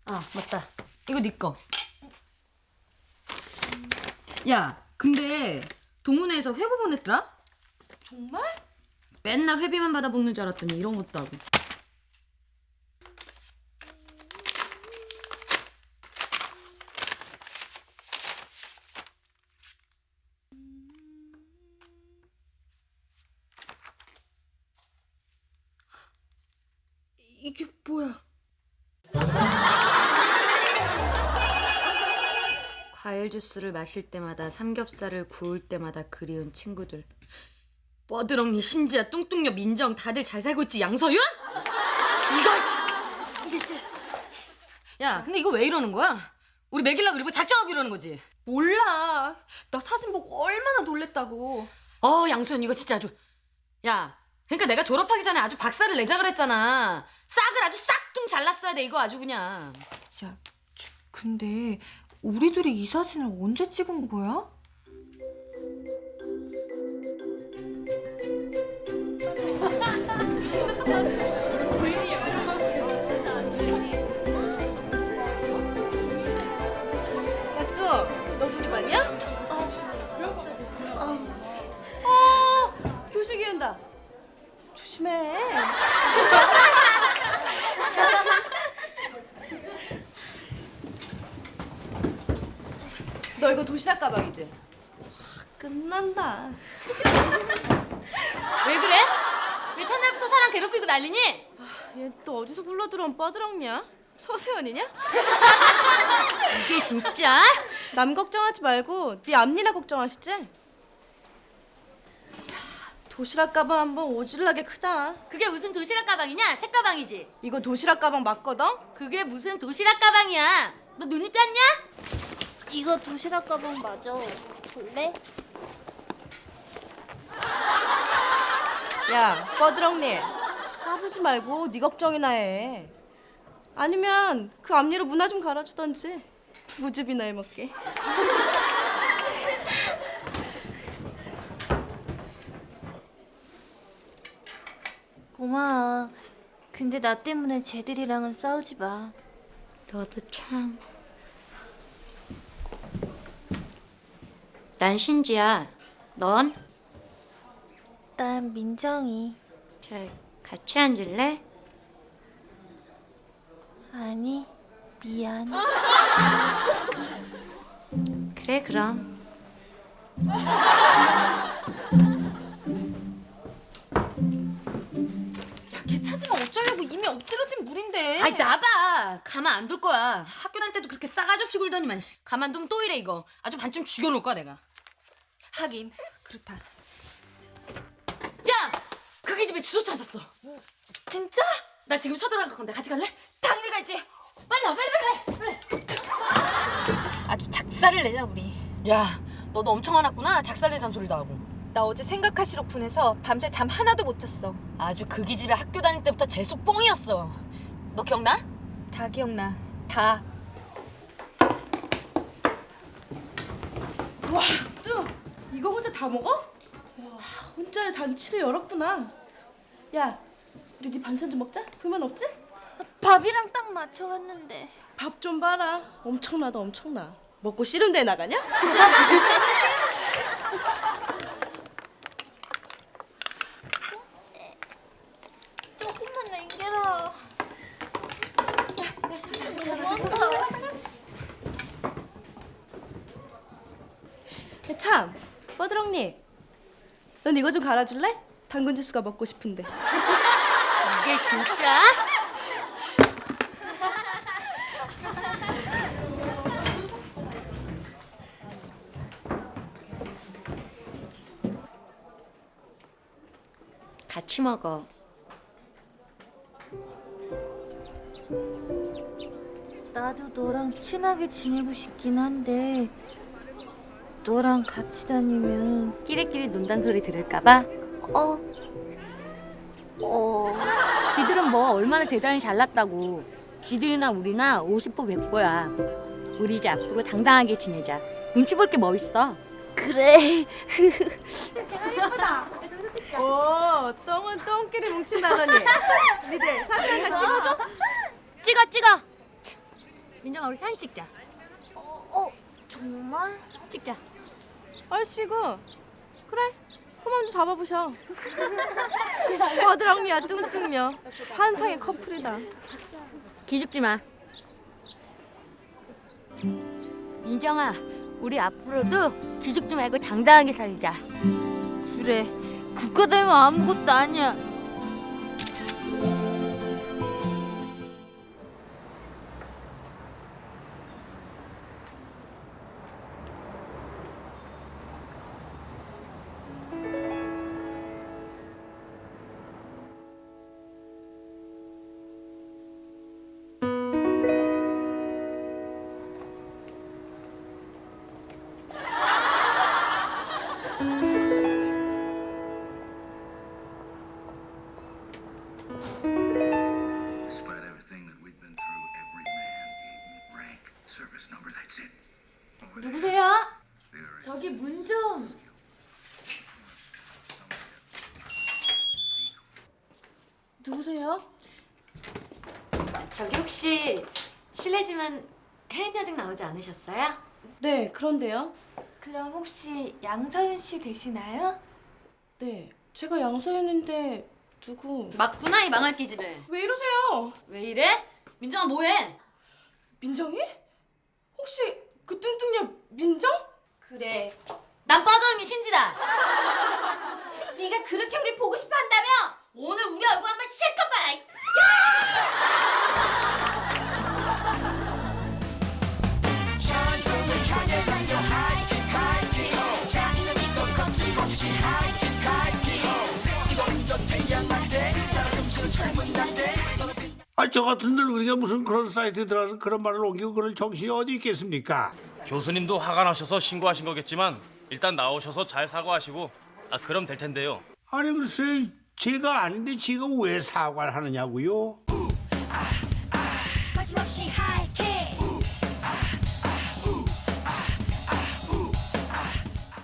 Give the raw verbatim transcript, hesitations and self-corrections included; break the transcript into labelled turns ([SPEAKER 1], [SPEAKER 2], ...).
[SPEAKER 1] 아, 맞다. 이거 네 거. 야, 근데 동문회에서 회보 보냈더라?
[SPEAKER 2] 정말?
[SPEAKER 1] 맨날 회비만 받아 먹는 줄 알았더니 이런 것도 하고.
[SPEAKER 2] 이게 뭐야?
[SPEAKER 1] 과일 주스를 마실 때마다 삼겹살을 구울 때마다 그리운 친구들. 뻐드렁니, 신지야, 뚱뚱녀, 민정 다들 잘 살고 있지, 양서윤? 이걸! 이게... 야, 근데 이거 왜 이러는 거야? 우리 먹이려고 일부러 작정하고 이러는 거지?
[SPEAKER 2] 몰라. 나 사진 보고 얼마나 놀랬다고.
[SPEAKER 1] 어, 양서윤 이거 진짜 아주... 야, 그러니까 내가 졸업하기 전에 아주 박사를 내자 그랬잖아. 싹을 아주 싹퉁 잘랐어야 돼, 이거 아주 그냥.
[SPEAKER 2] 야, 근데 우리 둘이 이 사진을 언제 찍은 거야?
[SPEAKER 3] 야, 뚜, 너 둘이 봤냐? 어. 어, 교식이 온다. 조심해. 너 이거 도시락 가방이지? 와, 끝난다.
[SPEAKER 1] 왜 그래? 왜 첫날부터 사람 괴롭히고 난리니?
[SPEAKER 3] 얘 또 어디서 굴러 들어온 뻐드렁냐? 서세연이냐?
[SPEAKER 1] 이게 진짜?
[SPEAKER 3] 남 걱정하지 말고 네 앞니나 걱정하시지? 도시락 가방 한번 오질나게 크다.
[SPEAKER 1] 그게 무슨 도시락 가방이냐? 책 가방이지.
[SPEAKER 3] 이거 도시락 가방 맞거든?
[SPEAKER 1] 그게 무슨 도시락 가방이야? 너 눈이 뺐냐?
[SPEAKER 4] 이거 도시락 가방 맞아. 볼래?
[SPEAKER 3] 야, 뻐드렁니. 까부지 말고 네 걱정이나 해. 아니면 그 앞니로 문화 좀 갈아주던지. 부부즙이나 해먹게.
[SPEAKER 4] 고마워. 근데 나 때문에 쟤들이랑은 싸우지 마.
[SPEAKER 1] 너도 참. 난 신지야. 넌?
[SPEAKER 4] 난 민정이.
[SPEAKER 1] 자, 같이 앉을래?
[SPEAKER 4] 아니, 미안.
[SPEAKER 1] 그래, 그럼.
[SPEAKER 2] 야, 걔 찾으면 어쩌려고. 이미 엎질러진 물인데.
[SPEAKER 1] 아이, 나봐. 가만 안 둘 거야. 학교 다닐 때도 그렇게 싸가지 없이 굴더니만. 씨. 가만두면 또 이래, 이거. 아주 반쯤 죽여놓을 거야, 내가.
[SPEAKER 2] 하긴 그렇다.
[SPEAKER 1] 야! 그게 집에 주소 찾았어.
[SPEAKER 2] 진짜?
[SPEAKER 1] 나 지금 쳐들어갈 건데 같이 갈래? 당연히 가야지. 빨리 와, 빨리 빨리 빨리. 아주 작살을 내자 우리. 야, 너도 엄청 화났구나. 작살 내자는 소리도 하고.
[SPEAKER 2] 나 어제 생각할수록 분해서 밤새 잠 하나도 못 잤어.
[SPEAKER 1] 아주 그기 집에 학교 다닐 때부터 재수 뽕이었어. 너 기억나?
[SPEAKER 2] 다 기억나. 다.
[SPEAKER 3] 와, 뚜. 이거 혼자 다 먹어? 와, 혼자 잔치를 열었구나. 야, 우리 네 반찬 좀 먹자. 불만 없지?
[SPEAKER 4] 밥이랑 딱 맞춰왔는데.
[SPEAKER 3] 밥 좀 봐라. 엄청나다, 엄청나. 먹고 씨름 대회 나가냐?
[SPEAKER 4] 조금만 남겨라. 고마워.
[SPEAKER 3] 야, 참, 뻐드렁니. 넌 이거 좀 갈아줄래? 당근 주스가 먹고 싶은데.
[SPEAKER 1] 이게 진짜? 같이 먹어.
[SPEAKER 4] 나도 너랑 친하게 지내고 싶긴 한데 너랑 같이 다니면
[SPEAKER 1] 끼리끼리 논단 소리 들을까봐?
[SPEAKER 4] 어? 어...
[SPEAKER 1] 지들은 뭐 얼마나 대단히 잘났다고. 지들이나 우리나 오십 보 백 보야. 우리 이제 앞으로 당당하게 지내자. 눈치 볼 게 뭐 있어?
[SPEAKER 4] 그래.
[SPEAKER 3] 오, 똥은 똥끼리 뭉친다더니. 니들 사진 한 장 찍어줘?
[SPEAKER 4] 찍어 찍어.
[SPEAKER 1] 민정아 우리 사진 찍자.
[SPEAKER 4] 어, 어 정말?
[SPEAKER 1] 찍자.
[SPEAKER 3] 얼씨구. 그래. 그만 좀 잡아보셔. 버드랑미야 뚱뚱녀. 한상의 커플이다.
[SPEAKER 1] 기죽지 마. 민정아, 우리 앞으로도 기죽지 말고 당당하게 살자.
[SPEAKER 4] 그래. 그거 되면 아무것도 아니야.
[SPEAKER 5] Despite everything that we've been through, every man, rank, service number, that's it.
[SPEAKER 3] 누구세요?
[SPEAKER 1] 저기 문 좀.
[SPEAKER 3] 누구세요?
[SPEAKER 1] 저기 혹시 실례지만 혜인 여중 나오지 않으셨어요?
[SPEAKER 3] 네, 그런데요.
[SPEAKER 1] 그럼 혹시 양서윤 씨 되시나요?
[SPEAKER 3] 네, 제가 양서윤인데 누구?
[SPEAKER 1] 맞구나 이 망할 기집애.
[SPEAKER 3] 왜 이러세요?
[SPEAKER 1] 왜 이래? 민정아 뭐해?
[SPEAKER 3] 민정이? 혹시 그 뚱뚱녀 민정?
[SPEAKER 1] 그래. 난 뻐드렁이 신지다. 네가 그렇게 우리 보고 싶어 한다며? 오늘 우리 얼굴 한번 실컷 봐라.
[SPEAKER 6] 아, 저 같은 늙은이가 무슨 그런 사이트에 들어가서 그런 말을 옮기고 그럴 정신이 어디 있겠습니까?
[SPEAKER 7] 교수님도 화가 나셔서 신고하신 거겠지만 일단 나오셔서 잘 사과하시고 아 그럼 될 텐데요.
[SPEAKER 6] 아니 글쎄 제가 아닌데 지가 왜 사과를 하느냐고요?
[SPEAKER 8] 거침없이 하이킥